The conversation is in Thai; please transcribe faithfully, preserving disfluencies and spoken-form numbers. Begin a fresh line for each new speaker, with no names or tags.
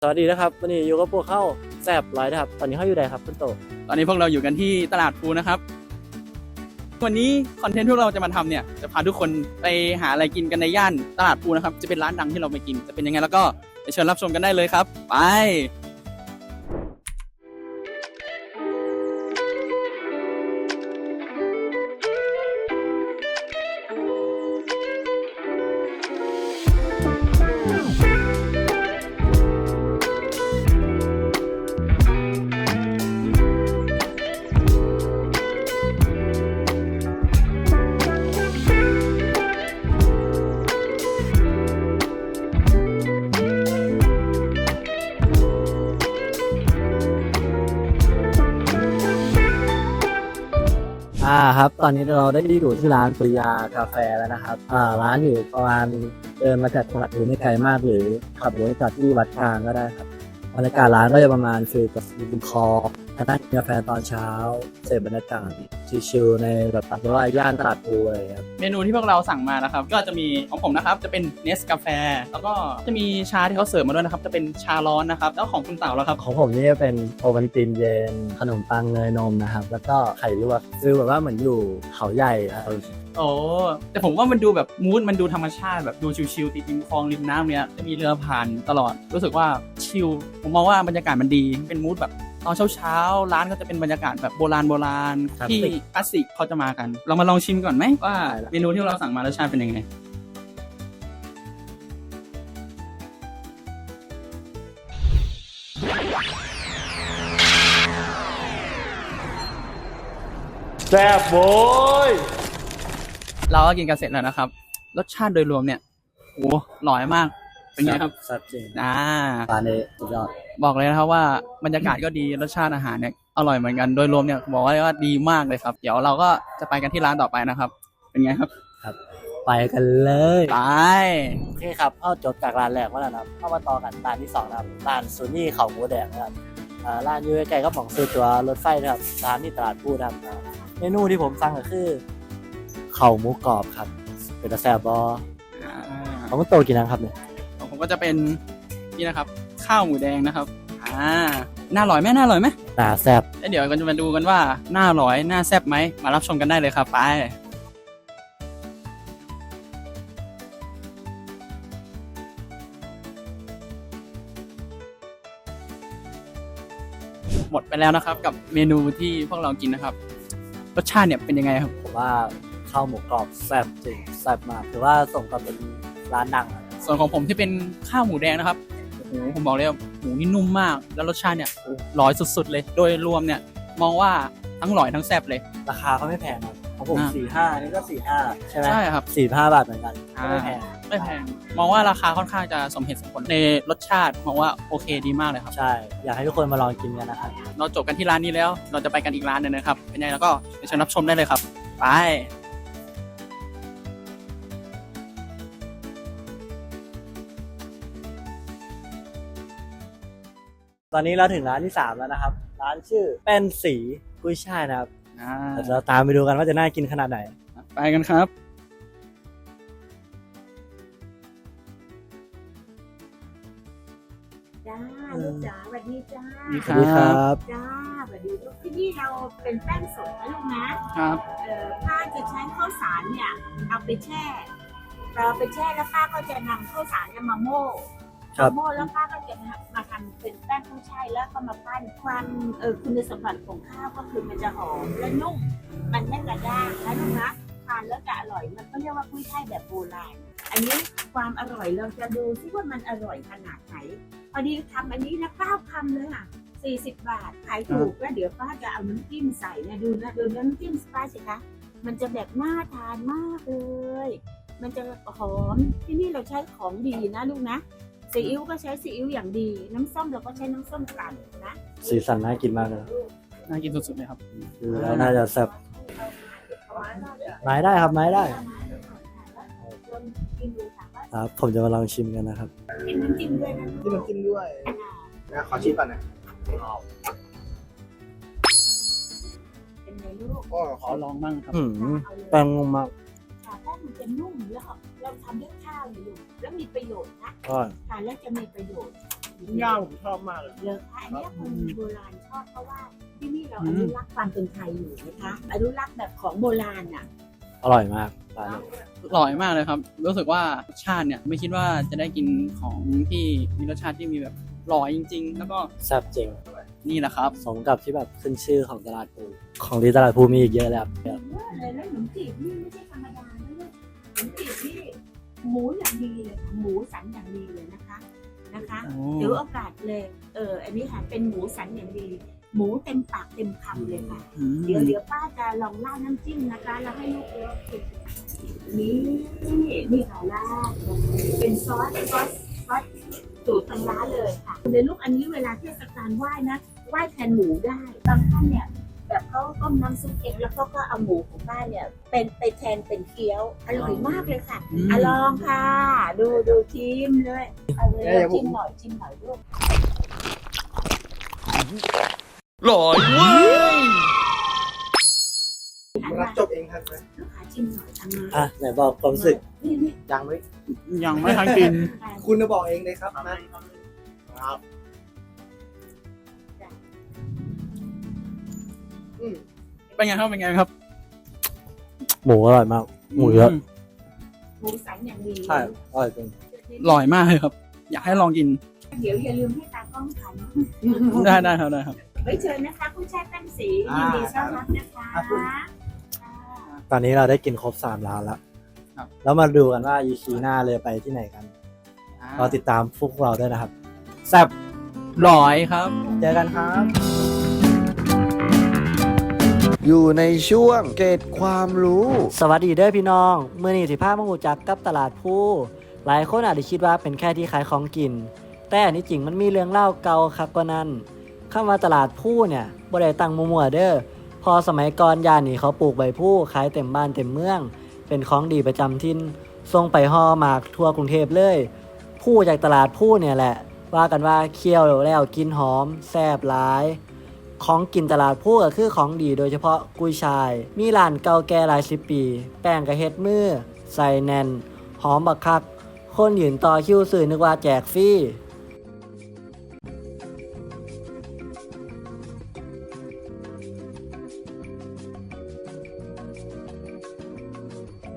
สวัสดีนะครับวันนี้อยู่กับพวกเข้าแซบไลฟ์นะครับตอนนี้เข้าอยู่ไหนครับคุณโต
ตอนนี้พวกเราอยู่กันที่ตลาดภูนะครับวันนี้คอนเทนต์ที่เราจะมาทำเนี่ยจะพาทุกคนไปหาอะไรกินกันในย่านตลาดภูนะครับจะเป็นร้านดังที่เราไปกินจะเป็นยังไงแล้วก็ไปเชิญรับชมกันได้เลยครับไป
อ่าครับตอนนี้เราได้อยู่ที่ร้านปริยากาแฟแล้วนะครับอ่าร้านอยู่ประมาณเดินมาจากตลาดภูไม่ไกลมากหรือขับรถจากที่วัดกลางก็ได้ครับบรรยากาศร้านก็จะประมาณฟิลกับริมคลองนั่งกินกาแฟตอนเช้าเสพบรรยากาศชิลๆในแบบตัดว่าย่านตลาดภูอะไรครับ
เมนูที่พวกเราสั่งมานะครับก็จะมีของผมนะครับจะเป็นเนสกาแฟแล้วก็จะมีชาที่เขาเสิร์ฟมาด้วยนะครับจะเป็นชาร้อนนะครับแล้วของคุณเต่าแล้วครับ
ของผมนี่จะเป็นโอวัลตินเย็นขนมปังเนยนมนะครับแล้วก็ไข่ลวกฟิลแบบว่าเหมือนอยู่เขาใหญ่อะไร
โอ้แต่ผมว่ามันดูแบบมูดมันดูธรรมชาติแบบดูชิลๆติดริมคลองริมน้ำเนี้ยจะมีเรือผ่านตลอดรู้สึกว่าชิลผมมองว่าบรรยากาศมันดีเป็นมูดแบบตอนเช้าๆร้านก็จะเป็นบรรยากาศแบบโบราณโบราณที่คลาสสิกเขาจะมากันเรามาลองชิมก่อนไหมว่าเมนูที่เราสั่งมารสชาติเป็นยังไง
แซ่บโว้ย
เราก็กินกันเสร็จแล้วนะครับรสชาติโดยรวมเนี่ยโอ้อร่อยมากเป็นไงครับ
แซ่บจริง
อ่า
ร้านนี้สุดยอด
บอกเลยนะครับว่าบรรยากาศก็ดีรสชาติอาหารเนี่ยอร่อยเหมือนกันโดยรวมเนี่ยบอกว่าดีมากเลยครับเดี๋ยวเราก็จะไปกันที่ร้านต่อไปนะครับเป็นไงครับ
ครับไปกันเลย
ไป
โอเคครับเข้าจบจากร้านแรกมาแล้วนะครับเข้ามาต่อกันร้านที่สองนะครับร้านซูนี่เขาหมูแดงนะครับอ่าร้านอยู่ใกล้ๆกับของซื้อตัวรถไฟนะครับร้านที่ตลาดพูดครับเมนูที่ผมสั่งก็คือเข่าหมูกรอบครับเป็นแซ่บบอของคุณโตกินนะครับเนี่ย
ผมก็จะเป็นนี่นะครับข้าวหมูแดงนะครับอ่าน่าอร่อยไหมน่าอร่อยไหม
น่าแซ่บ
แล้วเดี๋ยวก็จะมาดูกันว่าน่าอร่อยน่าแซ่บไหมมารับชมกันได้เลยครับไปหมดไปแล้วนะครับกับเมนูที่พวกเรากินนะครับรสชาติเนี่ยเป็นยังไงครับ
ผมว่าข้าวหมูกรอบแซ่บจริงแซ่บมากถือว่าส่งกับเป็นร้านดัง
ส่วนของผมที่เป็นข้าวหมูแดงนะครับโอ้โหผมบอกเลยว่าหมูนี่นุ่มมากแล้วรสชาติเนี่ยร้อยสุดๆเลยโดยรวมเนี่ยมองว่าทั้งอร่อยทั้งแซ่บเลย
ราคาก็ไม่แพงครับของผมสี่ห้านี่ก็สี่ห้าใช่ไหม
ใช่ครับ
สี่ห้าบาทเหมือนกันไม่แพง
ไม่แพงมองว่าราคาค่อนข้างจะสมเหตุสมผลในรสชาติมองว่าโอเคดีมากเลยครับ
ใช่อยากให้ทุกคนมาลองกินกันนะครับ
เราจบกันที่ร้านนี้แล้วเราจะไปกันอีกร้านนึงนะครับเป็นไงแล้วก็เชิญรับชมได้เลยครับไป
ตอนนี้เราถึงร้านที่สามแล้วนะครับร้านชื่อเป็นสีกุ้ยช่ายนะครับเราตามไปดูกันว่าจะน่ากินขนาดไหน
ไปกันครับ
จ้าลูกจ๋าสวัสดีจ้า
สวัสดีครับ
จ้าสวัสดีลูกที่นี่เราเป็นแป้งสดนะลูกนะครับเอ่อป้าจะใช้ข้าวสารเนี่ยเอาไปแช่เราไปแช่แล้วป้าก็จะนำข้าวสารเนี่ยมาโม่โม่แล้วป้าก็จะมาทำเป็นแป้งกุ้ยช่ายแล้วก็มาปั้นความเออคุณสมบัติของข้าวก็คือมันจะหอมและนุ่มมันไม่กระด้างนะลูกนะทานแล้วจะอร่อยมันก็เรียกว่ากุ้ยช่ายแบบโบราณอันนี้ความอร่อยเราจะดูซิว่ามันอร่อยขนาดไหนพอดีทำอันนี้นะเก้าคำเลยอ่ะสี่สิบบาทขายถูกแล้วเดี๋ยวป้าจะเอาน้ำจิ้มใส่นะดูนะดูน้ำจิ้มป้าสิคะมันจะแบบน่าทานมากเลยมันจะหอมที่นี่เราใช้ของดีนะลูกนะซีอิ๊วก็ใช้ซีอิ๊วอย่างดีน้ำส้มเราก็ใช้น้ำส้มกลั่นนะ
สีสันน่ากินมากเลย
น่ากินสุดๆเลยครับ
แล้วน่าจะแซ่บไม้ได้ครับไม้ได้ครับผมจะมาลองชิมกันนะครับ
กินน้ำจิ้มด้วยนะ
จิ้มน้ำจิ้มด้วยนะขอชิมก่อนนะ
เป็นไงลูก
ก็
ขอลองบ้างครับ
แป้งนุ่มมาก
แป้งมันจะนุ่มแล้วเราทำด้วยข้าวอยู่แล้วมีประโยชน์นะทานแล้วจะมีประโยชน์
ย่าผมชอบมากเลย
เลิกค่ะอันเนี้ยคนโบราณชอบเพราะว่าที่นี่เราอนุรักษ์ความเป็นไทยอยู่นะคะอนุรักษ์แบบของโบราณอ่ะ
อร่อยมากร้านนี้
อร่อยมากเลยครับ รู้สึกว่ารสชาติเนี่ยไม่คิดว่าจะได้กินของที่มีรสชาติที่มีแบบอร่อยจริง ๆ แล้วก็
แซ่บจริง
นี่แหละครับ
สมกับที่แบบขึ้นชื่อของตลาดภูของดีตลาดภูมีอีกเยอะเลยครับ
เยอะเลยแล้วขนมจีบนี่ไม่ใช่ธรรมดานะลูกขนมจีบนี่หมูอย่างดีเลยค่ะหมูสันอย่างดีเลยนะคะนะคะ
โอ้
ถือโอกาสเลยเอออันนี้ค่ะเป็นหมูสันอย่างดี หมูเต็มปากเต็มคำเลยค่ะ
อืม
เดี๋ยวเดี๋ยวป้าจะลองราดน้ำจิ้มนะคะแล้วให้ลูกเลือกกินนี่นี่ค่ะราดเป็นซอสซอสซอสสูตรทางร้านเลยค่ะเดี๋ยวลูกอันนี้เวลาเทศกาลไหว้นะไหว้แทนหมูได้บางท่านเนี่ยแบบเขาต้มน้ำซุปเองแล้วเขาก็เอาหมูของบ้านเนี่ย เป็นไปแทนเป็นเกี๊ยวอร่อยมากเลยค่ะอะลองค่ะ ดูดูชิมเลยเอาเลยลองชิมหน่อยชิมหน่อยลูก
อร่อยเว้ย
ผมรับจบเองทันไหม
ลูกค้าชิมหน่อยทำมา
อ่ะไหนบอกความรู้สึก
นี่นี่
ยังไม่
ยังไม่ทันกิน
คุณจะบอกเองเลยครับนะครับอืม
เป็นไงครับเป็นไงครับ
หมูอร่อยมาก หมูเยอะ
หมูสันอย่างดี
ใช่อร่อยจริง
อร่อยมากเลยครับ อยากให้ลองกิน
เดี๋ยวอย่าลืมให้ตากล้องถ่าย
ได้ได้ครับได้ครับ
ไว้เชิญนะคะผู้แช่แป้งสียินดีต้อนรับนะคะ
ตอนนี้เราได้กินครบสามร้านแล้ว
ครับ
แล้วมาดูกันว่า อี พี หน้าเลยไปที่ไหนกันรอติดตามพวกเราด้วยนะครับ แซ่บ
อร่อยครับ
เจอกันครับ
อยู่ในช่วงเกร็ดความรู้
สวัสดีเด้อพี่น้องเมื่อนี้สิพามาหูจักกับตลาดภูหลายคนอาจจะคิดว่าเป็นแค่ที่ขายของกิน แต่อันนี้จริงมันมีเรื่องเล่าเก่าคักกว่านั้นคำว่าตลาดภูเนี่ยบ่ได้ตั้งมั่วๆเด้อพอสมัยก่อนย่านนี้เขาปลูกใบภูขายเต็มบ้านเต็มเมือง เป็นของดีประจำถิ่นส่งไปห่อหมากทั่วกรุงเทพเลยภูจากตลาดภูเนี่ยแหละว่ากันว่าเคี่ยวแล้วกินหอมแซ่บหลายของกินตลาดภูก็คือของดีโดยเฉพาะกุ้ยช่ายมีร้านเก่าแก่หลายสิบปี แป้งกระเฮ็ดมือใส่แน่นหอมบักคักคนยืนต่อคิวซื้อนึกว่าแจกฟรี